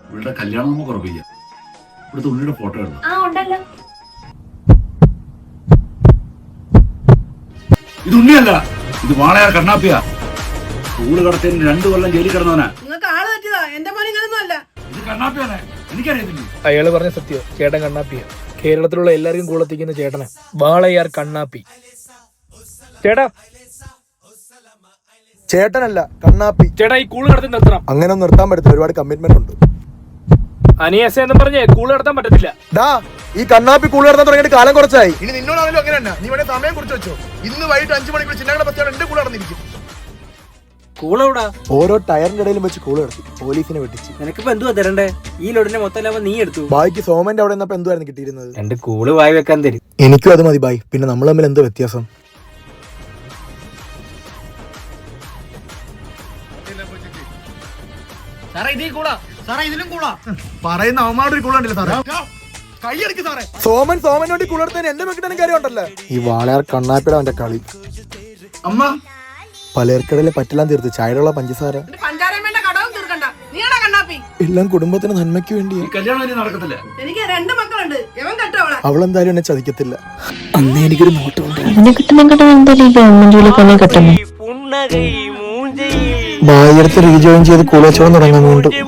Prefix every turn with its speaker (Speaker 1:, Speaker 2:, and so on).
Speaker 1: ഇവളുടെ കല്യാണം നമുക്ക് ഉറപ്പിക്കാം. ഇവിടുത്തെ ഉണ്ണിയുടെ ഫോട്ടോ എടുത്തു. ഇത് ഉണ്ണിയല്ല, ഇത് വാളയാർ കണ്ണാപ്പിയാ. സ്കൂള് കടത്തിന് 2 കൊല്ലം ജയിലിൽ കിടന്നവനാ.
Speaker 2: നിങ്ങൾക്ക് ആള് തെറ്റിയതാ, എന്റെ മോൻ ഇങ്ങനൊന്നും അല്ല.
Speaker 1: ഇത് കണ്ണാപ്പിയാണേ, എനിക്കറിയത്തില്ല.
Speaker 3: അയാള് പറഞ്ഞ സത്യം, ചേട്ടൻ കണ്ണാപ്പിയ. കേരളത്തിലുള്ള എല്ലാവർക്കും കൂളത്തിക്കുന്ന ചേട്ടനെ വാളയാർ കണ്ണാപ്പി. ചേട്ടാ,
Speaker 4: ചേട്ടനല്ല കണ്ണാപ്പി.
Speaker 3: ചേട്ടാ ഈ കൂള് കടത്തി നിർത്തണം.
Speaker 4: അങ്ങനെ നിർത്താൻ പറ്റത്തില്ല, ഒരുപാട് കമ്മിറ്റ്മെന്റ് ഉണ്ട്.
Speaker 3: അനിയസ എന്ന് പറഞ്ഞേ കൂള് കടത്താൻ പറ്റത്തില്ല.
Speaker 4: ഡാ, ഈ കണ്ണാപ്പി കൂള് നടത്താൻ തുടങ്ങിയിട്ട് കാലം കുറച്ചായി. ഇനി നിന്നോടാണല്ലോ അങ്ങനെ തന്നെ. നീ വേണേ സമയം കുറിച്ച് വെച്ചോ. ഇന്ന് വൈകിട്ട് 5 മണിക്ക് ചിന്നങ്ങളുടെ ബസ്റ്റാണ് എന്റെ കൂടെ നടന്നിരിക്കും.
Speaker 5: കൂളെവിടാ?
Speaker 4: ഓരോ ടയറിന്റെ ഇടയിലും വെച്ച് കൂള് നടത്തി പോലീസിനെ വെട്ടിച്ച്.
Speaker 5: നിനക്കിപ്പോ എന്തുവാ തരണ്ടേ? ഈ ലോഡിന്റെ മൊത്തം ലാഭം നീ എടുത്തു.
Speaker 4: ബായിക്ക് സോമന്റെ അവിടെ നിന്നപ്പോ എന്തുവായിരുന്നു കിട്ടിയിരുന്നത്?
Speaker 5: 2 കൂള് വായി വെക്കാൻ തരും.
Speaker 4: എനിക്കും അത് മതി ബായ്. പിന്നെ നമ്മൾ തമ്മിൽ എന്താ വ്യത്യാസം? പറയുന്ന അവന്മാരുടെ കൂളുണ്ടല്ലോ സാറേ. സോമൻ വേണ്ടി കുളർത്താൻ എന്റെ വെക്കിട്ടാനും കാര്യമുണ്ടല്ലോ. ഈ വാളയാർ കണ്ണാപ്പിയുടെ അവന്റെ കളി.
Speaker 1: അമ്മ
Speaker 4: പലർക്കിടയിലെ പറ്റെല്ലാം തീർത്ത് ചായയുള്ള പഞ്ചസാര
Speaker 2: പഞ്ചാരമ്മേന്റെ കടവും തീർക്കണ്ട. നീയാണോ കണ്ണാപ്പി?
Speaker 4: എല്ലാം കുടുംബത്തിന് നന്മയ്ക്ക് വേണ്ടിയാ.
Speaker 1: ഈ കല്യാണം ഇനി നടക്കത്തില്ല.
Speaker 2: എനിക്ക് 2 മക്കളുണ്ട്. എവൻ കെട്ടവളെ.
Speaker 4: അവളെന്തായാലും എന്നെ ചതിക്കത്തില്ല.
Speaker 3: അന്ന് എനിക്കൊരു നോട്ടം
Speaker 6: അതിനെ കിട്ടുന്ന എന്തായാലും ഗവൺമെന്റ് ജോലി തന്നെ കിട്ടുന്നു.
Speaker 4: ബായി എടുത്ത് റീജോയിൻ ചെയ്ത് കൂളച്ചോളം തുടങ്ങാൻ വേണ്ടി